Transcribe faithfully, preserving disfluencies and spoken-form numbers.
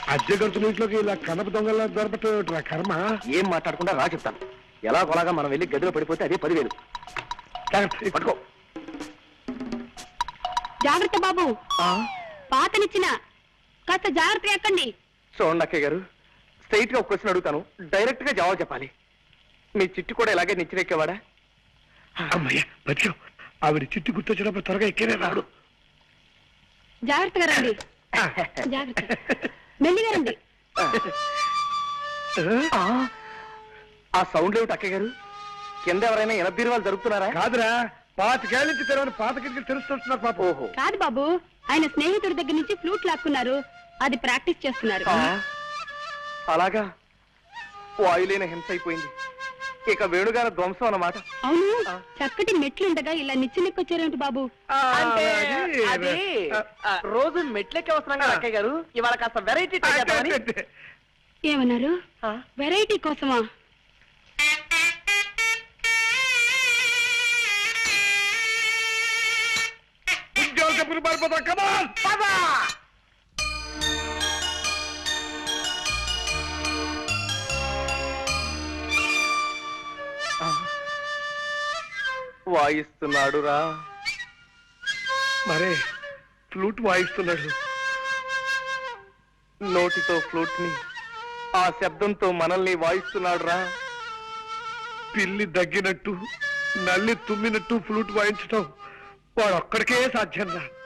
అద్దె గంతుల ఇంట్లోకి ఇలా కనప దొంగల దొరపట్టు కర్మ. ఏం మాట్లాడకుండా రా చెప్తాను. ఎలా కొలాగా మనం వెళ్ళి గదిలో పడిపోతే అదే పదివేలు. పట్టుకో. జాగ్రత్త బాబు, పాతనిచ్చిన కాస్త జాగ్రత్త ఎక్కండి. చూడండి అక్కయ్య గారు, స్ట్రైట్ గా ఒక క్వశ్చన్ అడుగుతాను, డైరెక్ట్ గా జవాబు చెప్పాలి. మీ చిట్టు కూడా ఇలాగే నిచ్చిరెక్కేవాడా? అమ్మయ్య బతికావు. ఆవిడ చిట్టు గుర్తొచ్చినప్పుడు త్వరగా ఎక్కేనే రాడు. జాగ్రత్తగా రండి, జాగ్రత్త, మెల్లిగా రండి. ఆ సౌండ్ ఏమిటి అక్కయ్య గారు? కింద ఎవరైనా ఎనబీరువాలు జరుగుతున్నారా? కాదురా, పాతికేళ్ళ నుంచి తెరవని పాత కిటికీలు తెలుస్తున్నారు పాప. ఓహో కాదు బాబు, ఆయన స్నేహితుడి దగ్గర నుంచి ఫ్లూట్ లాక్కున్నారు, అది ప్రాక్టీస్ చేస్తున్నారు. అలాగా, వాయులేని హింస అయిపోయింది. ఇక వేణుగారి ధ్వంసం అన్నమాట. అవును, చక్కటి మెట్లుండగా ఇలా నిచ్చెనెక్కొచ్చారేమిటి బాబు? అంటే అది రోజు మెట్లెక్కి వస్తున్నాం కదా అక్కయ్య గారు, ఇవాళ కాస్త వెరైటీ ట్రై చేద్దామని. ఏమన్నారు? వెరైటీ కోసమా? చెప్పులు పారిపోతా కదా. వాయిస్తున్నాడు రా. మరే ఫ్లూట్ వాయిస్తున్నాడు. నోటితో ఫ్లూట్ ని, ఆ శబ్దంతో మనల్ని వాయిస్తున్నాడు రా. పిల్లి దగ్గినట్టు, నల్లి తుమ్మినట్టు ఫ్లూట్ వాయించటం వాడు ఒక్కడికే సాధ్యం రా.